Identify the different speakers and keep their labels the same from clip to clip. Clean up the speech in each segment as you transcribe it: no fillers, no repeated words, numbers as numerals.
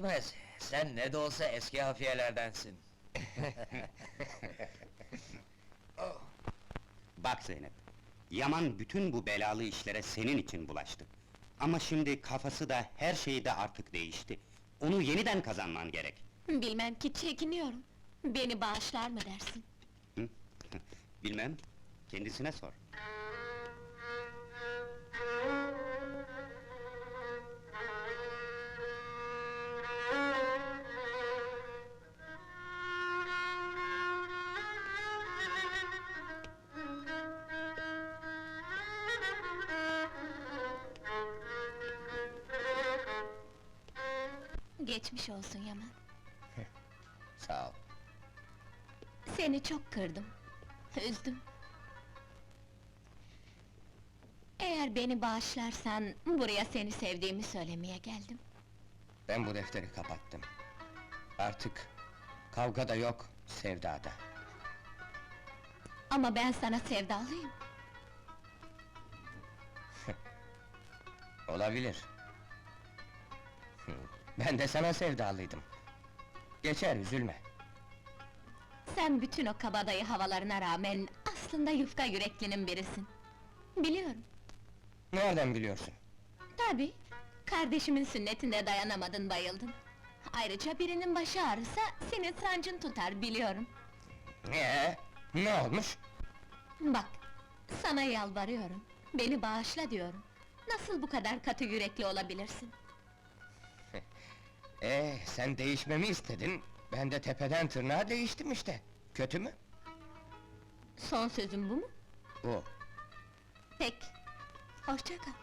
Speaker 1: değişmez. Sen ne de olsa eski hafiyelerdensin.
Speaker 2: Bak Zeynep, Yaman bütün bu belalı işlere senin için bulaştı. Ama şimdi kafası da, her şeyi de artık değişti. Onu yeniden kazanman gerek.
Speaker 3: Bilmem ki, çekiniyorum. Beni bağışlar mı dersin?
Speaker 2: Bilmem, kendisine sor.
Speaker 3: Geçmiş olsun Yaman.
Speaker 1: Sağ ol.
Speaker 3: Seni çok kırdım, üzdüm. Eğer beni bağışlarsan, buraya seni sevdiğimi söylemeye geldim.
Speaker 1: Ben bu defteri kapattım. Artık kavga da yok, sevda da.
Speaker 3: Ama ben sana sevdalıyım.
Speaker 1: Olabilir. Ben de sana sevdalıydım. Geçer, üzülme.
Speaker 3: Sen bütün o kabadayı havalarına rağmen, aslında yufka yüreklinin birisin. Biliyorum.
Speaker 1: Nereden biliyorsun?
Speaker 3: Tabii, kardeşimin sünnetinde dayanamadın, bayıldın. Ayrıca birinin başı ağrısa, senin sancın tutar, biliyorum.
Speaker 1: Ne olmuş?
Speaker 3: Bak, sana yalvarıyorum, beni bağışla diyorum. Nasıl bu kadar katı yürekli olabilirsin?
Speaker 1: Sen değişmemi istedin, ben de tepeden tırnağa değiştim işte. Kötü mü?
Speaker 3: Son sözün bu mu?
Speaker 1: Bu.
Speaker 3: Peki, hoşça kal.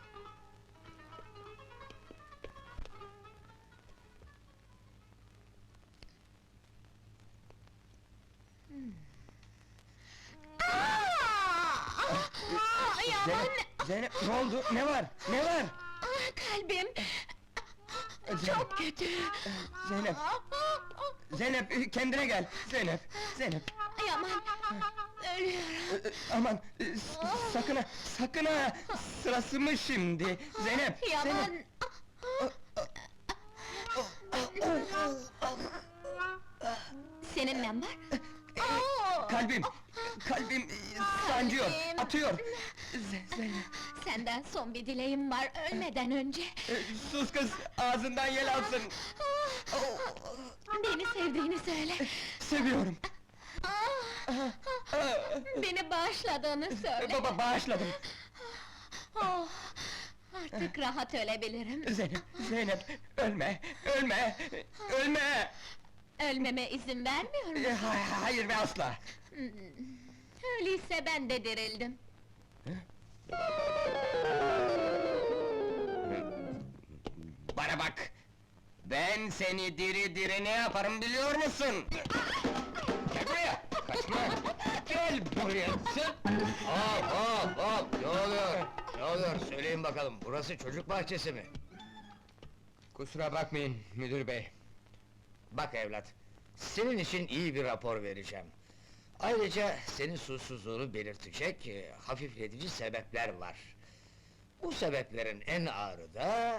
Speaker 3: Yaman!
Speaker 1: Zeynep, ne oldu? Ne var? Ne var?
Speaker 3: Kalbim! Çok kötü!
Speaker 1: Zeynep! Zeynep, kendine gel! Zeynep!
Speaker 3: Yaman! Ölüyorum!
Speaker 1: Aman! Sakın ha! Sakın ha! Sırası mı şimdi? Zeynep!
Speaker 3: Yaman! Senin ne var?
Speaker 1: Kalbim sancıyor,
Speaker 3: Kalbim!
Speaker 1: atıyor! Zeynep!
Speaker 3: Senden son bir dileğim var, ölmeden önce!
Speaker 1: Sus kız, ağzından yel alsın!
Speaker 3: Beni sevdiğini söyle!
Speaker 1: Seviyorum!
Speaker 3: Beni bağışladığını söyle!
Speaker 1: Baba, bağışladım!
Speaker 3: Oh, artık rahat ölebilirim!
Speaker 1: Zeynep, ölme! Ölme!
Speaker 3: Ölmeme izin vermiyor musun?
Speaker 1: Hayır ve asla!
Speaker 3: Öyleyse ben de dirildim!
Speaker 1: Bana bak! Ben seni diri diri ne yaparım biliyor musun? Gel buraya! Kaçma! Gel buraya!
Speaker 4: Hop! Ne oluyor? Ne oluyor? Söyleyin bakalım, burası çocuk bahçesi mi?
Speaker 1: Kusura bakmayın müdür bey.
Speaker 4: Bak evlat, senin için iyi bir rapor vereceğim. Ayrıca senin suçsuzluğunu belirtecek hafifletici sebepler var. Bu sebeplerin en ağırı da...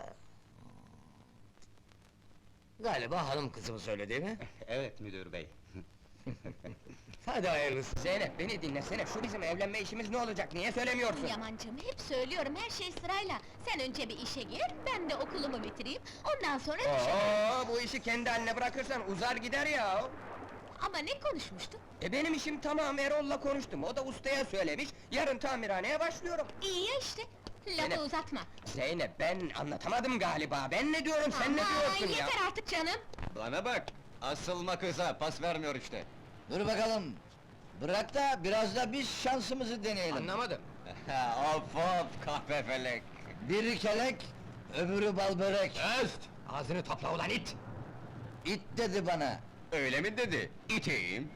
Speaker 4: Galiba hanım kızımı söyle değil mi?
Speaker 2: Evet müdür bey.
Speaker 4: Hadi hayırlısı.
Speaker 1: Zeynep beni dinlesene, şu bizim evlenme işimiz ne olacak, niye söylemiyorsun?
Speaker 3: Yamancığım, hep söylüyorum, her şey sırayla! Sen önce bir işe gir, ben de okulumu bitireyim, ondan sonra düşünürüm!
Speaker 1: Bu işi kendi haline bırakırsan uzar gider ya!
Speaker 3: Ama ne konuşmuştuk?
Speaker 1: Benim işim tamam, Erol'la konuştum, o da ustaya söylemiş, yarın tamirhaneye başlıyorum!
Speaker 3: İyi ya işte! Lafı
Speaker 1: Zeynep.
Speaker 3: uzatma!
Speaker 1: Zeynep, ben anlatamadım galiba, ben ne diyorum, sen ne diyorsun ya?
Speaker 3: Yeter artık canım!
Speaker 5: Bana bak! Asılma kıza, pas vermiyor işte!
Speaker 4: Dur bakalım! Bırak da biraz da biz şansımızı deneyelim.
Speaker 1: Anlamadım.
Speaker 5: Hop kahpefelek!
Speaker 4: Biri kelek, öbürü bal börek.
Speaker 5: Öst!
Speaker 1: Ağzını topla ulan it!
Speaker 4: İt dedi bana.
Speaker 5: Öyle mi dedi? İteyim!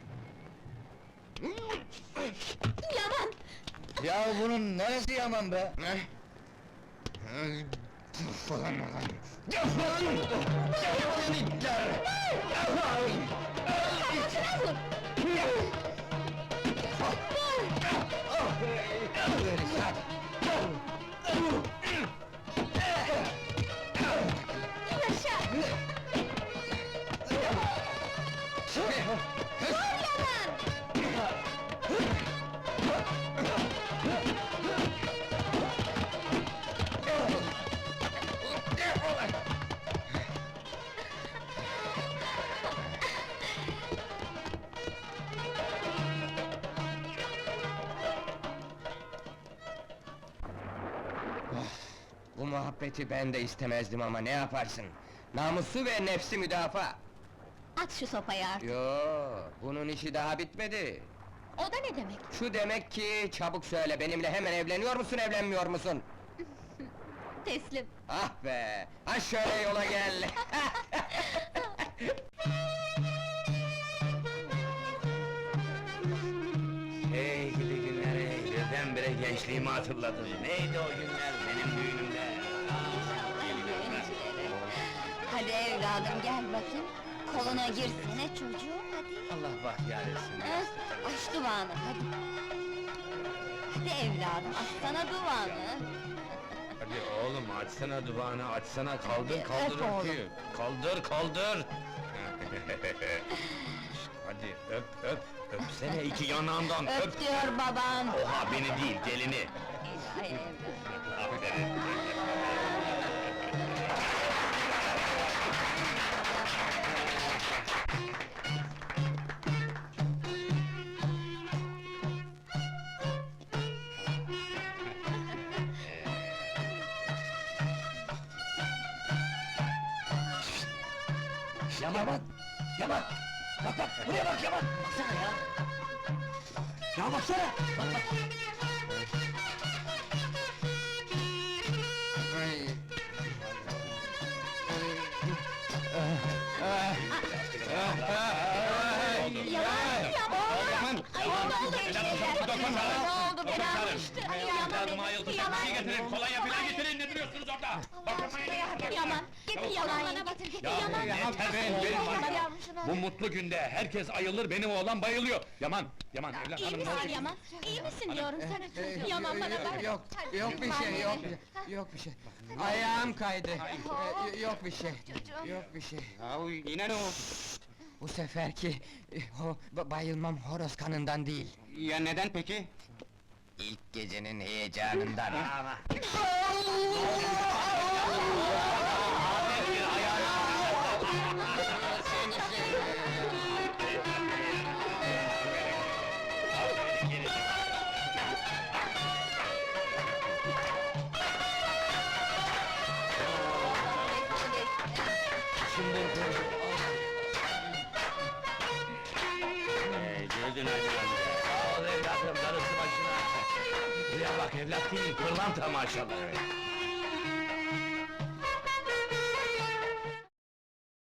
Speaker 3: Yaman!
Speaker 4: Ya bunun neresi yaman be?
Speaker 3: Yaşa!
Speaker 1: Bu muhabbeti ben de istemezdim ama ne yaparsın? Namusu ve nefsi müdafaa!
Speaker 3: At şu sopayı artık!
Speaker 1: Yo, bunun işi daha bitmedi.
Speaker 3: O da ne demek?
Speaker 1: Şu demek ki, çabuk söyle, benimle hemen evleniyor musun, evlenmiyor musun?
Speaker 3: Teslim!
Speaker 1: Ah be! Ha şöyle yola gel!
Speaker 4: Hey gidi günler hey, birdenbire gençliğimi hatırladım. Neydi o günler benim düğünümde?
Speaker 3: Hadi evladım gel bakayım. Koluna girsene çocuğum hadi.
Speaker 4: Allah bahtiyar etsin.
Speaker 3: Aç duvağını hadi. Hadi evladım açsana duvağını.
Speaker 4: Hadi oğlum açsana duvağını, açsana, kaldır
Speaker 3: Hadi,
Speaker 4: kaldır
Speaker 3: öp oğlum.
Speaker 4: öpüyü. Kaldır kaldır! Hadi öp öp, öpsene iki yanağından öp!
Speaker 3: Öp diyor baban.
Speaker 4: Oha beni değil, gelini!
Speaker 3: İlahi evladım.
Speaker 4: Aferin! Yaman! Yaman! Bak bak, buraya bak Yaman! Baksana ya! Ya baksana! Bak bak!
Speaker 1: Ay.
Speaker 3: Yaman! Yaman! Ay ne oldu evladım? Ne oldu beni almıştı? Yaman! Yaman!
Speaker 5: Kolonya falan getirin, ne duruyorsunuz orada?
Speaker 3: Yaman! Getir yalan bana getir getir yalan!
Speaker 5: Yeter be, benim var. Bu mutlu günde herkes ayılır, benim oğlan bayılıyor. Yaman, Yaman, evlat
Speaker 3: İyi
Speaker 5: hanım ne
Speaker 3: misin
Speaker 5: oldu?
Speaker 3: Yaman? İyi misin diyorum sana çocuğum? Yaman bana bak!
Speaker 1: Yok, yok bir şey, yok bir şey. Ayağım kaydı. Yok bir şey, yok bir şey.
Speaker 2: Ya yine ne o?
Speaker 1: Bu seferki, o bayılmam horoz kanından değil.
Speaker 2: Ya neden peki?
Speaker 1: İlk gecenin heyecanından.
Speaker 2: Gözün aydın amca.
Speaker 4: Sağ ol evladım, darısı başına! Buraya bak evlat değil, pırlanta maşallah!